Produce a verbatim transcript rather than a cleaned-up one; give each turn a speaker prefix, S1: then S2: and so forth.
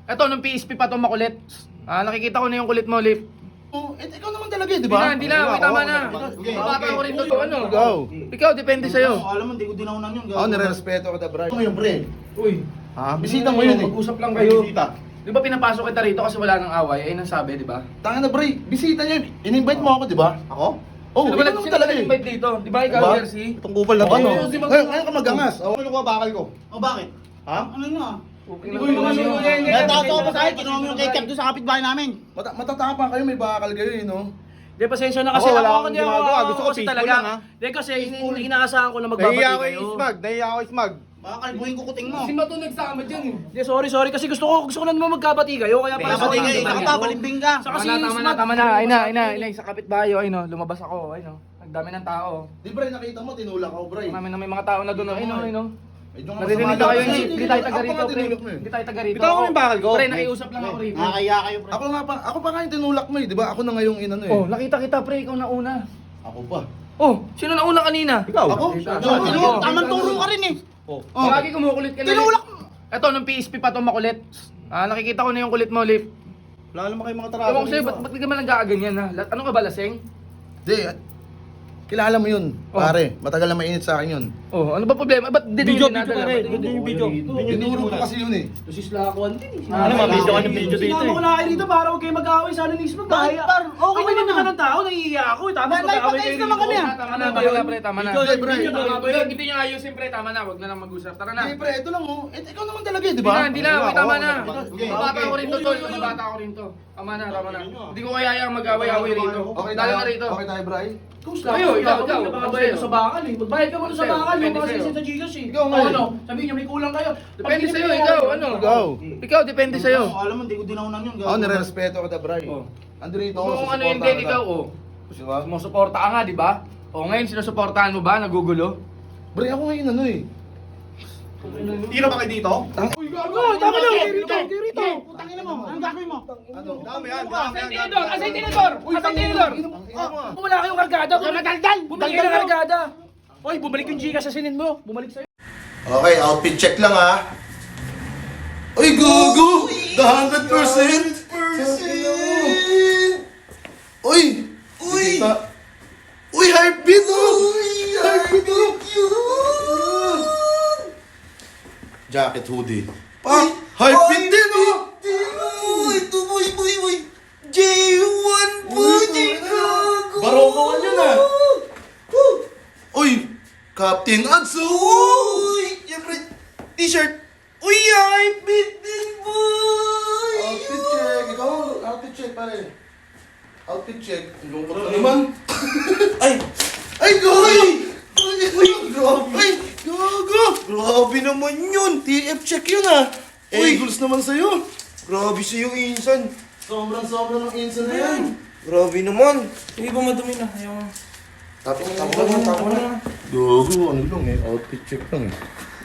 S1: Eto, nung P S P pa to makulit. Ah, nakikita ko na yung kulit mo, Lip.
S2: Oh, eh, ikaw naman talaga, di ba?
S1: Hindi na, hindi na. Uy, tama na. Bata ko rin to. Ano?
S2: Ikaw.
S1: Ikaw, depende sa'yo.
S3: Alam mo, hindi ko dinaunan yun.
S2: Ako, nire-respeto kita, bro.
S3: Ano yun, pre?
S1: Uy,
S2: Ha? Bisita mo yun eh.
S1: mag-usap lang kayo.
S3: Bisita.
S1: Di ba pinapasok kita rito kasi wala nang away? Ayun ang sabi, di ba?
S2: Tanga na, bro. Bisita niya. In-invite mo ako, di ba?
S3: Ako?
S2: Oh,
S1: Sino
S2: ikaw
S1: ba
S2: naman
S1: sino
S2: talaga
S1: ba
S2: eh.
S1: nag-invite dito? Di ba ikaw,
S2: Diba?
S1: Jersey?
S2: Itong kupal na to,
S1: Oo,
S2: no?
S1: si Mag-
S2: Ngayon, ngayon ka magangas.
S3: Ako, ano ko bakal ko? O bakit?
S2: Ha?
S3: Ano yun ah?
S1: Okay
S3: Hindi
S1: lang
S3: ko yung
S1: yun.
S3: mga
S1: Yun.
S3: yun. Natato ko pa sa'yo, kinuha mo yung ketchup doon sa kapitbahay namin.
S2: Mata matatapang kayo, may bakal kayo eh, no?
S1: Di, pasensya na kasi
S2: Ako, wala
S1: ako,
S2: akong
S1: hindi ako,
S2: ginagawa.
S1: ako
S2: Gusto ko
S1: kasi
S2: peaceful
S1: talaga.
S2: lang, ha?
S1: Di kasi in- inaasahan ko na magbabati
S2: Nahiya ko
S1: kayo.
S2: yung smag, nahiya ko yung smag.
S3: Baka kalbuhin ko kuting mo.
S1: Si Mato nagsama dyan eh. Di, sorry, sorry. Kasi gusto ko, gusto ko na naman magkabati kayo. Kaya pala
S3: Kapatid
S1: sorry.
S3: kayo, isa ka pa, balimbing ka.
S1: Saka si
S2: Tama na, tama na,
S1: Smart-
S2: tama na.
S1: Ay na, ay na, ay na. Sa kapitbahay, ay no. Lumabas ako, ay no. Nagdami ng tao.
S2: Di, bro, nakita mo, tinulak ako, bro.
S1: Marami na may mga tao na doon, ay no, ay no.
S2: Medyo nga
S1: Naririnig
S2: masama
S1: na kayo,
S2: lang.
S1: hindi. Hindi tayo taga
S2: Ako
S1: rito,
S2: nga
S1: pre.
S2: tinulak mo eh.
S1: Hindi tayo taga rito.
S2: Bitaw ko yung bakal ko.
S1: Pre, nakiusap lang ako rito.
S3: Nakakaya kayo, pre.
S2: Ako nga pa, ako pa nga yung tinulak mo eh, di ba? Ako na ngayong inano eh.
S1: Oh, nakita kita, pre. Ikaw na una.
S2: Ako pa.
S1: Oh, sino na una kanina?
S2: Ikaw? Ako?
S3: Tinulak, tamang turo ka rin eh.
S2: Oh.
S3: Oh.
S1: Lagi kumukulit ka na.
S3: Tinulak
S1: Lip. Eto, nung P S P pa to makulit. Ah, nakikita ko na yung kulit mo, Lip.
S2: Wala naman kayong mga tarasa.
S1: Ewan ko sa'yo, ba't ba't di ka man nag-aaganyan ha? La- Ano ka ba, laseng?
S2: Di, kilala mo yun,
S1: Oh.
S2: pare. Matagal na mainit sa akin yun.
S1: Oh, ano ba problema? Ba't di
S4: Video,
S1: din
S4: video pare, video yung video.
S2: Tinuro ko kasi yun eh.
S1: Lusis Lakuan din eh.
S4: Ano, mabidyo ka ng video dito
S1: Sinama ko
S4: eh.
S1: na kayo dito para huwag kayo mag-away. Sana nismo
S3: Bakit,
S1: tayo.
S3: par? Okay
S1: Ako
S3: naman
S1: naman
S3: ah.
S1: ng tao, nahihiya ako. eh. Tapos
S3: Dahil
S1: mag-away
S3: nagpatays
S1: kayo
S3: naman
S1: dito.
S3: kami, ah.
S1: Tama na, tama na, pre, tama na.
S2: Ikaw, pre.
S1: Tama, pre. Hindi niyo ayusin, pre. Tama na, huwag na lang mag-usap. Tara na.
S2: Di, pre, ito lang oh. Eh, ikaw naman talaga eh, di
S1: Hindi
S2: ba?
S1: na, hindi na. Uy, tama na.
S2: Okay,
S1: Mabata
S2: okay.
S1: ko rin to, tol. Mabata ko rin to. Tama na, tama na. Hindi ko kaya yung mag-away-away rito.
S2: Okay
S1: Dalo
S2: tayo,
S1: na rito.
S2: okay tayo, Bray.
S1: Kayo, ikaw, ikaw.
S4: Nakabayad ka sa bakal eh. Magbayad ka muna sa
S1: Sa'yo,
S4: bakal. Yung
S1: depende
S4: mga
S1: sa'yo.
S4: sisi sa Gcash eh.
S2: Ikaw nga
S4: O,
S2: eh.
S4: ano? Sabihin niyo may kulang kayo.
S1: Depende sa'yo, ikaw. Ano?
S2: Ikaw.
S1: Ikaw, depende sa'yo.
S3: Alam mo, hindi ko dinaunan yun.
S2: Ako, nire-respeto kita, Bray.
S1: Oh.
S2: Ando rito ako,
S1: Kung ano
S2: susuportahan
S1: yung din,
S2: kita.
S1: ikaw, oh.
S2: Di ba?
S1: Sumusuporta ka nga, di ba? O ngayon, sinusuportahan mo ba? Nagugulo?
S2: Bray, ako ngayon ano eh.
S3: Tira ba kayo dito?
S1: Uy, gago! Tama na!
S3: Dito, dito. Putangin mo. Anong gagawin mo?
S2: Ano?
S3: Dami yan,
S1: Asay tinidor! Asay tinidor! Asay tinidor!
S2: Ah,
S1: Wala kayong kargada! Daldal! Bumalik kayo ng kargada! Oy, bumalik yung Gcash sa sinin mo! Bumalik sa'yo!
S2: Okay, outfit check lang ha. Uy, gogo! The one hundred percent! Uy! Uy! Uy, heartbeat oh! Heartbeat oh! Jacket, hoodie. Pa! Heartbeat din oh!
S3: Ito, boy, boy, boy. J one po, J Gago.
S2: Barokawan yun ah! Uy! Captain Adso!
S3: Uy, siyempre, t-shirt. Uy, heartbeat din, boy.
S2: Outfit check. Ikaw, outfit check pare. Outfit check. Ang lungkot na naman.
S3: Ay,
S2: Ay, gogo! Uy, grabe. Ay, gogo!
S3: grabe naman yun. T F check yun ah.
S2: Uy, Eagles naman sa'yo.
S3: Grabe sa'yo, Insan.
S2: Sobrang-sobrang ng insan na yan.
S3: Grabe naman.
S4: Hindi ba madumi na? Ayaw.
S2: Tapos, tapos na, tapos na. Gogo, ano lang eh. Outfit check lang eh.